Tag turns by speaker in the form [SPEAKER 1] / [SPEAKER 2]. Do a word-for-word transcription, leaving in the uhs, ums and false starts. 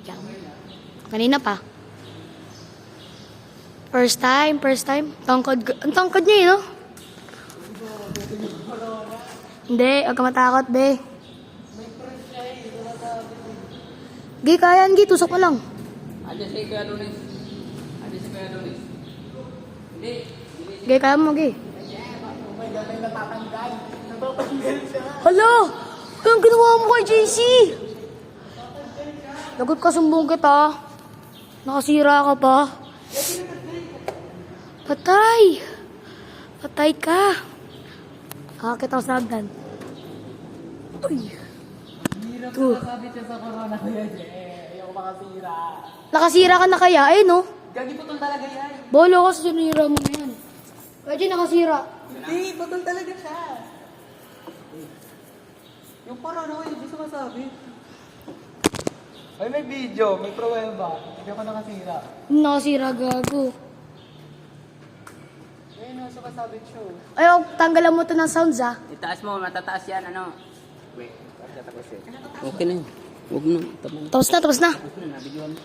[SPEAKER 1] Yan. Kanina pa. First time, first time. Tangkad, ang tangkad niya yun, no? Hindi, huwag ka matakot, be. Gi, kaya yan, Gi. Tusok mo lang.
[SPEAKER 2] Andiyan si Kuya Lunis. Andiyan si Kuya Lunis. Hindi.
[SPEAKER 1] Gi, kaya mo, Gi. Hala! Anong ginawa mo kay J C? Lagot ka, sumbong kita. Nakasira ka pa. Patay! Patay ka. Kakakit ako sa hagdan. Uy!
[SPEAKER 2] Hirap
[SPEAKER 1] Tuh.
[SPEAKER 2] na sabi siya sa corona, Kuya Jay. Ayoko makasira.
[SPEAKER 1] Nakasira ka na kaya? Eh, no?
[SPEAKER 2] Gagi putol talaga yan.
[SPEAKER 1] Bolo ka sa sinira mo na yan. Pwede nakasira.
[SPEAKER 2] Hindi, putol talaga siya. Yung corona ko, hindi sumasabi. Ay, may video. May pruweba. Hindi ako nakasira.
[SPEAKER 1] Nakasira, gago.
[SPEAKER 2] Ayun, no, sumasabi siya.
[SPEAKER 1] Ay, oh, tanggalan mo to ng sounds, ah.
[SPEAKER 3] Itaas mo, matataas yan, ano? Wait, tapos eh. Okay na yun. Huwag na, tapos
[SPEAKER 1] Tapos na, tapos na.
[SPEAKER 3] na, nabigyan mo.